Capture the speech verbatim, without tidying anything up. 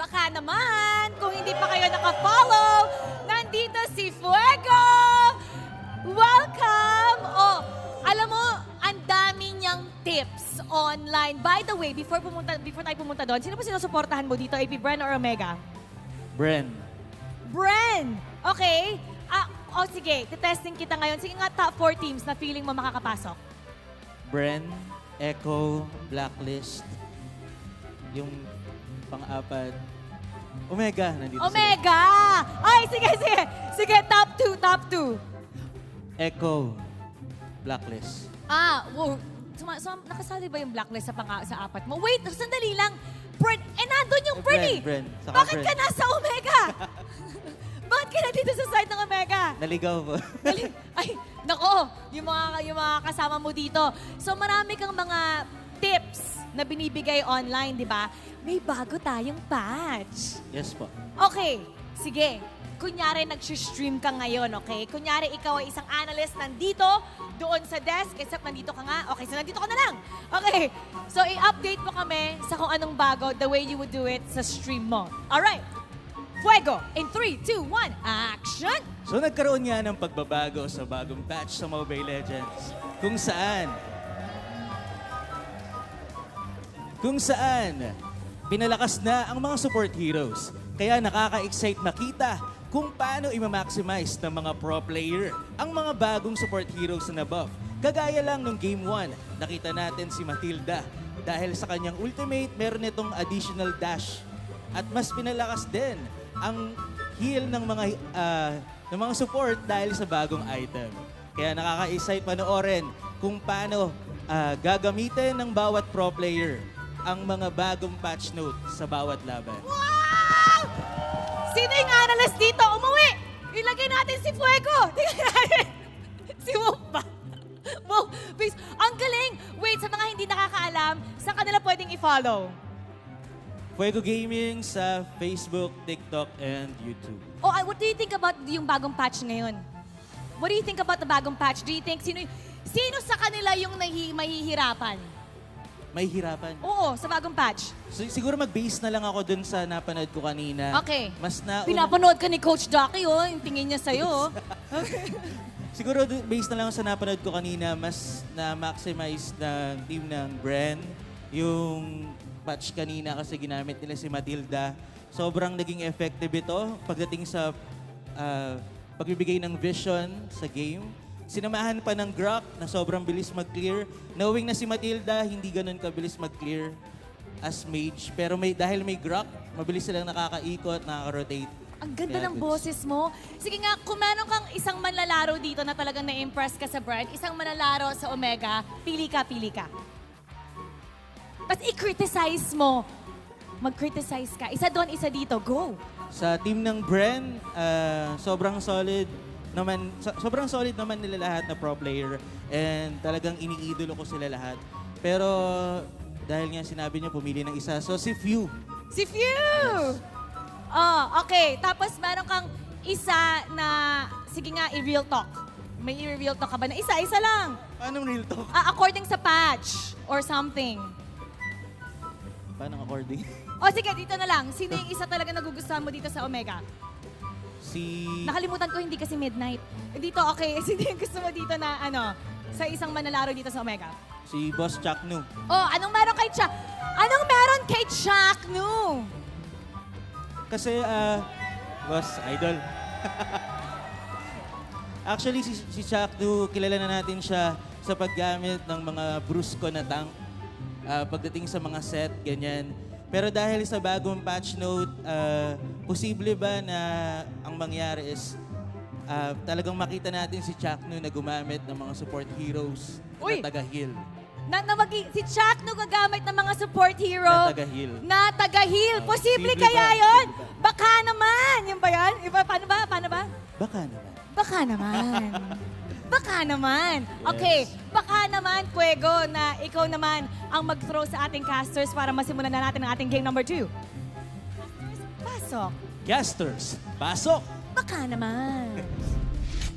Baka naman, kung hindi pa kayo naka-follow, nandito si Fuego! Welcome! Oh, alam mo, ang dami niyang tips online. By the way, before pumunta before tayo pumunta doon, sino po sinusuportahan mo dito? A P Bren or Omega? Bren. Bren! Okay. Ah, oh, sige, testing kita ngayon. Sige nga, top four teams na feeling mo makakapasok. Bren, Echo, Blacklist. Yung pang-apat. Omega, nandito Omega! Ay, sige, sige. Sige, top two, top two. sila. Echo, Blacklist. Ah, wow. Suma, suma, nakasali ba yung blacklist sa, pang, sa apat mo? Wait, sandali lang. Bren, eh, nandun yung Eh, Bren, Bren, eh. Bren. Saka Bakit Bren. ka nasa Omega? Bakit ka na dito sa side ng Omega? Naligaw po. Dali- Ay, nako, yung mga, yung mga kasama mo dito. So marami kang mga tips na binibigay online, di ba? May bago tayong patch. Yes po. Okay, sige. Kunyari, nag-stream ka ngayon, okay? Kunyari, ikaw ay isang analyst nandito, doon sa desk, except nandito ka nga. Okay, so nandito ka na lang. Okay, so i-update mo kami sa kung anong bago, the way you would do it sa stream mo. Alright, Fuego, in three, two, one, action! So nagkaroon nga ng pagbabago sa bagong patch sa Mobile Legends. Kung saan, kung saan, pinalakas na ang mga support heroes. Kaya nakaka-excite makita kung paano i-maximize ng mga pro player ang mga bagong support heroes na buff. Kagaya lang nung Game one, nakita natin si Matilda. Dahil sa kanyang ultimate, meron itong additional dash. At mas pinalakas din ang heal ng mga ah, ng mga support dahil sa bagong item. Kaya nakaka-excite panoorin kung paano ah, gagamitin ng bawat pro player ang mga bagong patch note sa bawat laban. Wow! Sino yung analyst dito? Umuwi! Ilagay natin si Fuego! Tingnan natin. Si Wolf ba? Wolf, please. Ang galing! Wait, sa mga hindi nakakaalam, saan kanila pwedeng i-follow? Fuego Gaming sa Facebook, TikTok, and YouTube. Oh, uh, what do you think about yung bagong patch ngayon? What do you think about the bagong patch? Do you think sino sino sa kanila yung nahi, mahihirapan? May hirapan. Oo, sa bagong patch. So, siguro mag-base na lang ako dun sa napanood ko kanina. Okay. Mas na... Pinapanood ka ni Coach Ducky, oh. Yung tingin niya sa'yo, oh. Siguro dun- based na lang sa napanood ko kanina, mas na-maximize ng team ng Bren yung patch kanina kasi ginamit nila si Matilda. Sobrang naging effective ito pagdating sa ah, pagbibigay ng vision sa game. Sinamahan pa ng Grok na sobrang bilis mag-clear. Knowing na si Matilda, hindi ganun kabilis mag-clear as mage. Pero may, dahil may Grok, mabilis silang nakakaikot, nakaka-rotate. Ang ganda Kaya ng goods. boses mo. Sige nga, kung meron kang isang manlalaro dito na talagang na-impress ka sa brand, isang manlalaro sa Omega, pili ka, pili ka. Tapos i-criticize mo. Mag-criticize ka. Isa doon, isa dito. Go! Sa team ng Bren, ah, sobrang solid naman, so- sobrang solid naman nila lahat na pro player and talagang iniidolo ko sila lahat. Pero dahil nga sinabi niya pumili ng isa, so si Few. Si Few! Oh, okay. Tapos meron kang isa na, sige nga, i-real talk. May i-real talk ka ba na isa? Isa lang. Paano real talk? Ah, according sa patch or something. Paano according? O sige, dito na lang. Sino yung isa talaga nagugustuhan mo dito sa Omega? Si... Nakalimutan ko, hindi kasi midnight. Dito, okay. Sino yung gusto mo dito na, ano, sa isang manlalaro dito sa Omega? Si Boss Chuck Nu. Oh, anong meron kay Chuck? Anong meron kay Chuck, no? Kasi, ah, Boss Idol. Actually, si, si Chuck Nu, kilala na natin siya sa paggamit ng mga brusko na tank. Ah, pagdating sa mga set, ganyan. Pero dahil sa bagong patch note, ah, posible ba na ang mangyari is ah, talagang makita natin si Chuck Nu na gumamit ng mga support heroes Uy! na taga-heal. Na, na magi- si Chuck no gagamit ng mga support hero Na taga-heal. na taga-heal. Oh, Posible posible kaya ba? yon? Posible ba? Baka naman. Yung ba yan? Iba, paano ba? Paano ba? Baka naman. Baka naman. Baka naman. Okay, Yes. baka naman, Fuego, na ikaw naman ang mag-throw sa ating casters para masimulan na natin ang ating game number two. Pasok. Casters, pasok! Baka naman.